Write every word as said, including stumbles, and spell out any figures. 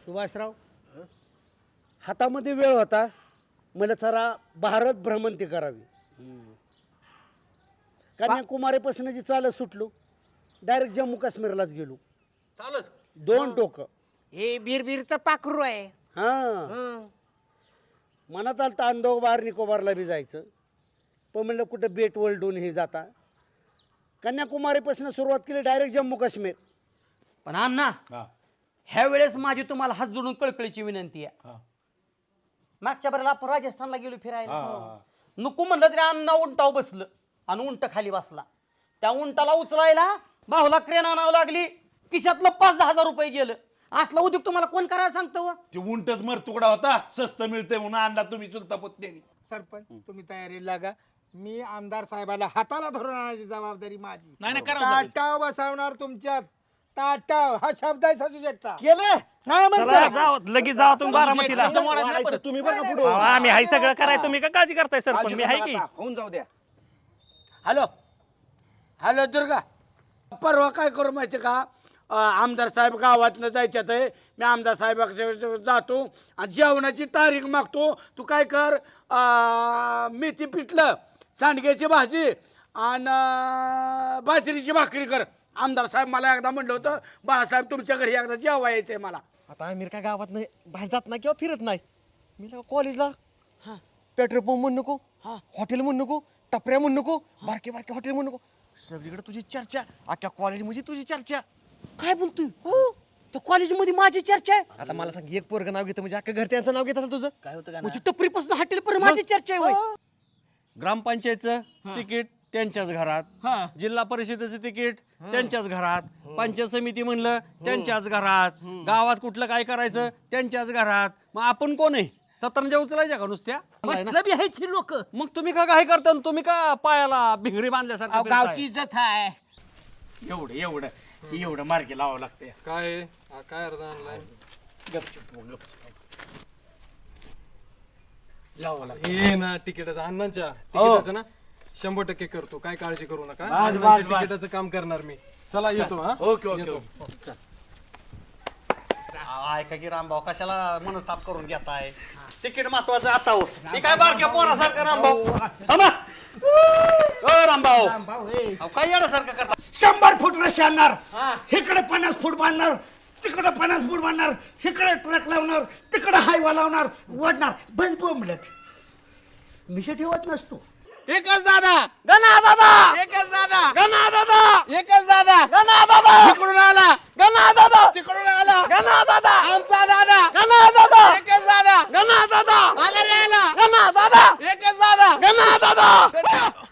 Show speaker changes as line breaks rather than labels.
सुभाषराव हातामध्ये वेळ होता, मला जरा भारत भ्रमंती करावी. कन्याकुमारीपासून जी चालत सुटलो, डायरेक्ट जम्मू काश्मीरलाच गेलो.
चालत
दोन टोक.
हे बीरबीरचं पाखरू आहे.
हा
हं.
मनात आलं तर अंदोबार निकोबारला बी जायचं, पण म्हणलं कुठं बेट वलडून हे जाता. कन्याकुमारीपासून सुरुवात केली, डायरेक्ट जम्मू काश्मीर.
पण अण्णा ह्या वेळेस माझी तुम्हाला हात जोडून कळकळीची विनंती आहे. मागच्या बरेला आपण राजस्थानला गेलो फिरायला, नको म्हणलं तरी अण्णा उंटाव बसलं आणि उंट खाली बसला. त्या उंटाला उचलायला बाहुला क्रेन आणावं लागली, खिशातलं पाच दहा हजार रुपये गेलं. असला उद्योग तुम्हाला कोण करायला सांगतो?
ते उंटच मर तुकडा होता, स्वस्त मिळते म्हणून आणला तुम्ही चुलता पुतण्यानी.
सरपंच तुम्ही तयारीला लागा. मी आमदार साहेबाला हाताला धरून आणायची जबाबदारी माझी.
नाही नाही करा
ताटाव बसवणार तुमच्यात. ताटाव हा शब्द आहे सजू शकता.
केलं
नाही म्हणता.
जाओ लगेच जावा तुम्ही बारामतीला.
तुम्ही बघा पुढे.
अहो, आम्ही हाय सगळं कराय, तुम्ही का काळजी करताय सरपंच? मी हाय की.
होऊन जाऊ द्या. हॅलो हॅलो दुर्गा, परवा काय करू माहिती का, अं, आमदार साहेब गावातनं जायच्यात आहे. मी आमदार साहेबाकडे जातो आणि जेवणाची तारीख मागतो. तू काय कर, अं, मेथी पिठलं, सांडग्याची भाजी आणि अं, बाजरीची भाकरी कर. आमदार साहेब मला एकदा म्हणलं होतं, बाळासाहेब तुमच्या घरी एकदा जेवा यायचंय मला.
आता आमिर काय गावात नाही बाहेर जात नाही किंवा फिरत नाही. मी कॉलेजला पेट्रोल पंप म्हणू नको, हॉटेल म्हणू नको, टपऱ्या म्हणू नको, बारके बारके हॉटेल म्हणू नको, सगळीकडे तुझी चर्चा. अख्ख्या कॉलेजमध्ये तुझी चर्चा.
काय बोलतोय? हो तर कॉलेजमध्ये माझी चर्चा आहे.
आता मला सांग, एक पोरग नाव घेतं म्हणजे अख्खं घर त्यांचं नाव घेत असेल तुझं.
काय होतं? म्हणजे टपरीपासून हॉटेल पर्यंत माझी चर्चा आहे होय.
ग्रामपंचायतचं तिकीट त्यांच्याच घरात, जिल्हा परिषदेचं तिकीट त्यांच्याच घरात, पंचायत समिती म्हणलं त्यांच्याच घरात, गावात कुठलं काय करायचं त्यांच्याच घरात. मग आपण कोण आहे? सतरंजा उचलायच्या का नुसत्या?
मतलब आहेच ही लोक.
मग तुम्ही का काय करता? तुम्ही का पायाला भिंगरी बांधल्यासारखं फिरताय?
गावची इज्जत आहे.
एवढं एवढं एवढं मार्गी लावावं लागतं.
काय काय अर्ज आणलाय?
लावावं लागतं.
हे ना तिकिटाचं अण्णांच्या तिकिटाचं ना शंभर टक्के करतो, काय काळजी करू नका. अण्णांच्या तिकिटाचं काम करणार मी. चला येतो. हा
ओके ओके.
ऐका की रामभाऊ, कशाला मनस्ताप करून घेताय? तिकीट महत्वाचं आता हो. हे काय बारक्या पोरासारखं रामभाऊ? थांबा. ओ रामभाऊ, अहो, काय येण्यासारखं करता?
शंभर फूट रशी आणणार, इकडे पन्नास फूट बांधणार, तिकडे पन्नास फूट बांधणार, इकडे ट्रक लावणार, तिकडे हायवा लावणार, ओढणार. बस बोंबलत मिशा ठेवत नसतो.
एकच दादा.
गणा दादा,
एकच दादा.
गणा दादा,
एकच दादा.
गणा दादा,
तिकडून आला.
गणा दादा,
तिकडून आला.
गणा दादा,
आमचा दादा.
गणा दादा,
एकच दादा.
गणा दादा,
आला रे आला.
गणा दादा,
एकच दादा.
गणा दादा.